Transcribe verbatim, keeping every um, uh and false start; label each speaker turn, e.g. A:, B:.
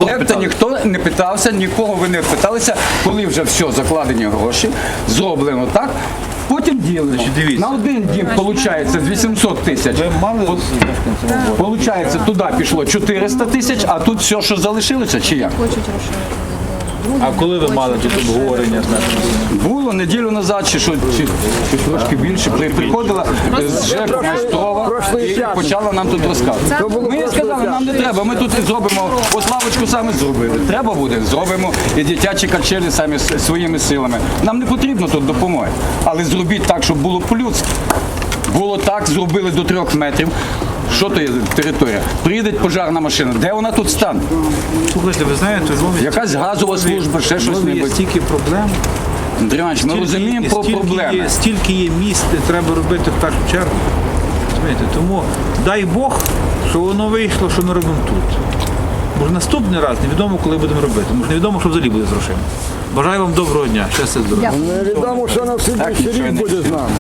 A: проєкту ніхто не питався, нікого ви не питалися, коли вже все, закладені гроші, зроблено так, потім ділимо.
B: дивіться.
A: На один дім, виходить, з вісімсот тисяч.
B: Ви мали
A: Получається, туди пішло чотириста тисяч, а тут все, що залишилося, чи як?
B: А коли ви мали тут обговорення з нашим?
A: Було неділю назад, чи що, чи, чи трошки більше, при- приходила е, з ЖЕКу Майстрова і почала нам тут розказувати. Ми їй сказали, нам не треба, ми тут зробимо, от лавочку самі зробили. Треба буде, зробимо і дитячі качелі самі с- своїми силами. Нам не потрібно тут допомоги, але зробіть так, щоб було по-людськи. Було так, зробили до трьох метрів. Що то є територія? Приїде пожарна машина, де вона тут стане?
B: Слухайте, ви знаєте, в Львові
A: Якась газова служба, ще
B: в
A: щось
B: Львові є
A: небудь.
B: стільки проблем.
A: Андрій Іванович, ми
B: Стільки-
A: розуміємо про
B: стільки
A: проблеми.
B: Є, стільки є місць, де треба робити в першу чергу. Розумієте? Тому дай Бог, що воно вийшло, що ми робимо тут. Бо наступний раз невідомо, коли будемо робити. Може, невідомо, що взагалі буде з грошима. Бажаю вам доброго дня. Щастя, здоров'я.
C: Невідомо, що на
A: Так,
C: слідчий
A: нічого
C: рік
A: не
C: буде з нами.